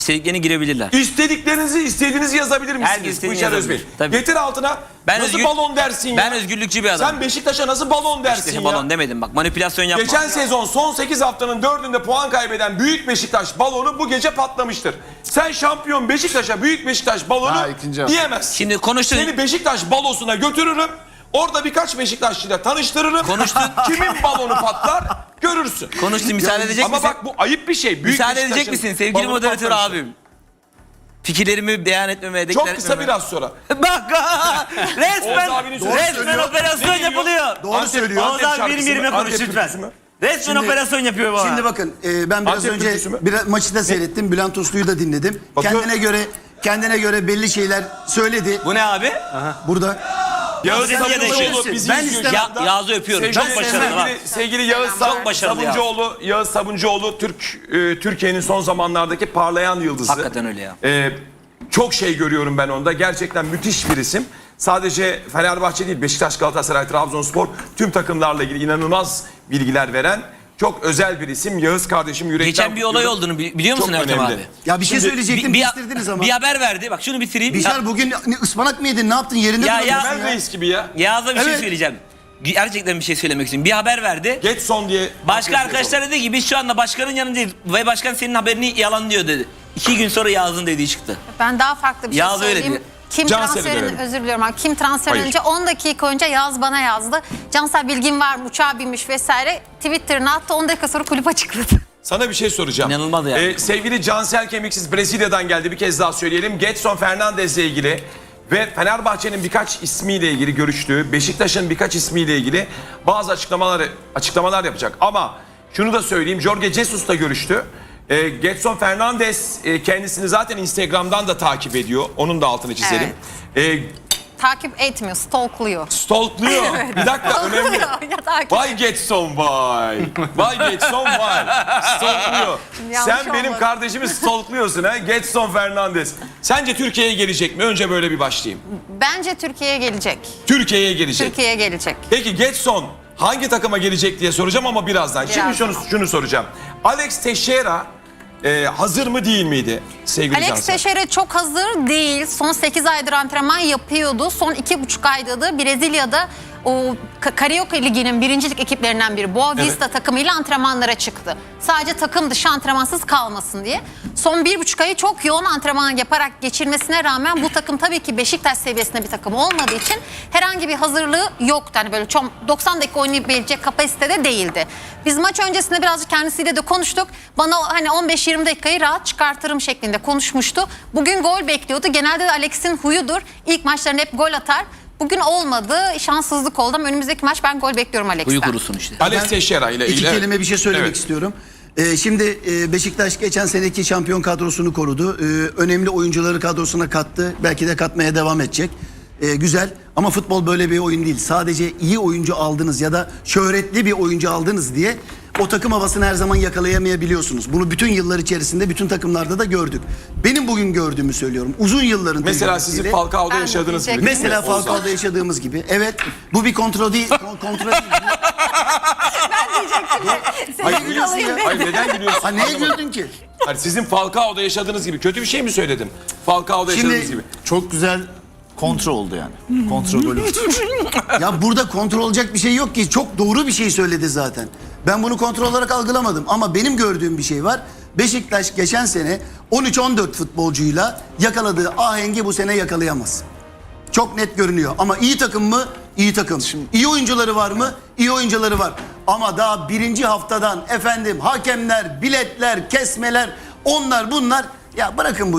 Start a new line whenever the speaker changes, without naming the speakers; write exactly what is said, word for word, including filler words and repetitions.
İstediklerini girebilirler.
İstediklerinizi istediğinizi yazabilir misiniz?
Herkes istediğini
Bışar
yazabilir.
Özbey.
Tabii.
Getir altına.
Ben
nasıl
özgür-
balon dersin
Ben
ya?
özgürlükçü bir adamım.
Sen Beşiktaş'a nasıl balon dersin
İşte
ya?
balon demedim bak, manipülasyon yapma.
Geçen sezon son sekiz haftanın dördünde puan kaybeden Büyük Beşiktaş balonu bu gece patlamıştır. Sen şampiyon Beşiktaş'a Büyük Beşiktaş balonu
Ha, ikinci hafta.
diyemezsin.
Şimdi konuştun.
Seni Beşiktaş balosuna götürürüm. Orada birkaç Beşiktaşlı'yla tanıştırırım.
Konuştun.
Kimin balonu patlar görürsün.
Konuştun, müsaade edecek
Ama
misin?
bak bu ayıp bir şey. Büyük
Müsaade edecek
Beşiktaş'ın
misin sevgili
balonu
moderatör
patlamıştır.
abim? Fikirlerimi beyan etmemeye, deklar
Çok kısa
etmemeye.
biraz sonra.
Bak
Oğuz
resmen,
abinin sözü
resmen
söylüyor.
operasyon
Ne diyor?
yapılıyor.
Doğru
Antep-
söylüyor.
Antep
Oğuz abi
şarkısı
benim
mı?
yerime
Antep
konuş
türküsü
lütfen.
mü?
Resmen
Şimdi-
operasyon yapıyor bana.
Şimdi bakın e, ben biraz
Antep
önce
türküsü mü?
bir maçı da seyrettim. Bülent Uslu'yu da dinledim.
Bakıyorum.
Kendine göre kendine göre belli şeyler söyledi.
Bu ne abi?
Burada
Yağız
Sen
Sabuncuoğlu
yaşıyorsun.
bizi
Ben
izliyor.
istemem.
Ya, Yağız'ı öpüyorum.
Sevgili,
Çok başarılı. bak.
sevgili, sevgili Yağız
Çok
Sab-
başarılı ya.
Sabuncuoğlu, Yağız Sabuncuoğlu Türk e, Türkiye'nin son zamanlardaki parlayan yıldızı.
Hakikaten öyle ya.
E, çok şey görüyorum ben onda. Gerçekten müthiş bir isim. Sadece Fenerbahçe değil, Beşiktaş, Galatasaray, Trabzonspor tüm takımlarla ilgili inanılmaz bilgiler veren çok özel bir isim. Yağız kardeşim yürekten
Geçen bir olay
kutluyorum.
olduğunu bi- biliyor musun
Çok
Ertem
önemli.
abi?
ya bir şey
Şimdi
söyleyecektim,
bir,
bitirdiniz ama.
bir haber verdi. Bak şunu bitireyim.
Bişar bugün ne, ıspanak mı yedin? Ne yaptın? Yerinde
Ya,
duramıyorsun
ya.
Ömer Reis gibi ya.
Yağız'a bir şey
Evet.
söyleyeceğim. Gerçekten bir şey söylemek istiyorum. Bir haber verdi.
Getson diye.
Başka arkadaşlar dedi ki biz şu anda başkanın yanındayız ve başkan senin haberini yalanlıyor dedi. İki gün sonra Yağız'ın dediği çıktı.
Ben daha farklı bir şey
Yağız öyle
söyleyeyim.
diyor.
Kim
Cansel'i
transferin,
verelim.
özür diliyorum abi. Kim transfer
Hayır.
önce on dakika önce Yağız bana yazdı. Cansel bilgin var mı? Uçağa binmiş vesaire. Twitter'ına attı. on dakika sonra kulüp açıkladı.
Sana bir şey soracağım.
İnanılmaz ya.
Ee, sevgili Cansel Kemiksiz Brezilya'dan geldi. Bir kez daha söyleyelim. Getson Fernandez'le ilgili ve Fenerbahçe'nin birkaç ismiyle ilgili görüştüğü, Beşiktaş'ın birkaç ismiyle ilgili bazı açıklamalar açıklamalar yapacak. Ama şunu da söyleyeyim. Jorge Jesus'la görüştü. Ee, Getson Fernandez e, kendisini zaten Instagram'dan da takip ediyor. Onun da altını çizelim. Ee,
Takip etmiyor, stalkluyor.
stalkluyor. Bir dakika önemli.
Ya takip.
Vay Getson vay. Vay Getson vay. Stalkluyor.
Yanlış
Sen benim
olmadı.
kardeşimi stalkluyorsun ha. Getson Fernandez. Sence Türkiye'ye gelecek mi? Önce böyle bir başlayayım.
Bence Türkiye'ye gelecek.
Türkiye'ye gelecek.
Türkiye'ye gelecek.
Peki Getson hangi takıma gelecek diye soracağım ama birazdan. Şimdi
Birazdan.
şunu, şunu soracağım. Alex Teixeira e, hazır mı değil miydi sevgili
Alex
Cansel?
Teixeira çok hazır değil. Son sekiz aydır antrenman yapıyordu. Son iki buçuk ayda da Brezilya'da o Ka- Carioca Ligi'nin birincilik ekiplerinden biri Boa Vista takımıyla antrenmanlara çıktı. Sadece takım dışı antrenmansız kalmasın diye. Son bir buçuk ayı çok yoğun antrenman yaparak geçirmesine rağmen bu takım tabii ki Beşiktaş seviyesinde bir takım olmadığı için herhangi bir hazırlığı yoktu. Hani böyle çok doksan dakika oynayabilecek kapasitede değildi. Biz maç öncesinde birazcık kendisiyle de konuştuk. Bana hani on beş yirmi dakikayı rahat çıkartırım şeklinde konuşmuştu. Bugün gol bekliyordu. Genelde de Alex'in huyudur. İlk maçlarında hep gol atar. Bugün olmadı. Şanssızlık oldu ama önümüzdeki maç ben gol bekliyorum Alex'ten.
Uyu kurusun işte.
Alex Teixeira ile ilgili.
İki
evet.
kelime bir şey söylemek
Evet.
istiyorum. Ee, şimdi e, Beşiktaş geçen seneki şampiyon kadrosunu korudu. Ee, önemli oyuncuları kadrosuna kattı. Belki de katmaya devam edecek. Ee, güzel ama futbol böyle bir oyun değil. Sadece iyi oyuncu aldınız ya da şöhretli bir oyuncu aldınız diye o takım havasını her zaman yakalayamayabiliyorsunuz. Bunu bütün yıllar içerisinde bütün takımlarda da gördük. Benim bugün gördüğümü söylüyorum. Uzun yılların
Mesela
tecrübesiyle-
sizin Falcao'da
Ben
yaşadığınız gibi.
diyecektim.
değil mi?
Mesela
Oğuzhan?
Falcao'da yaşadığımız gibi. Evet, bu bir kontrol değil. kon- kontrol değil.
Hayır,
Seni
gülüyorsun ya.
alayım.
Hayır, neden gülüyorsun?
Ha neye
Anlamadım.
güldün ki?
Hayır, sizin Falcao'da yaşadığınız gibi. Kötü bir şey mi söyledim? Falcao'da
Şimdi-
yaşadığınız gibi.
Çok güzel kontrol oldu yani. Kontrol golü.
Ya burada kontrol olacak bir şey yok ki. Çok doğru bir şey söyledi zaten. Ben bunu kontrol olarak algılamadım. Ama benim gördüğüm bir şey var. Beşiktaş geçen sene on üç on dört futbolcuyla yakaladığı ahengi bu sene yakalayamaz. Çok net görünüyor. Ama iyi takım mı? İyi takım. İyi oyuncuları var mı? İyi oyuncuları var. Ama daha birinci haftadan efendim hakemler, biletler, kesmeler, onlar bunlar. Ya bırakın bu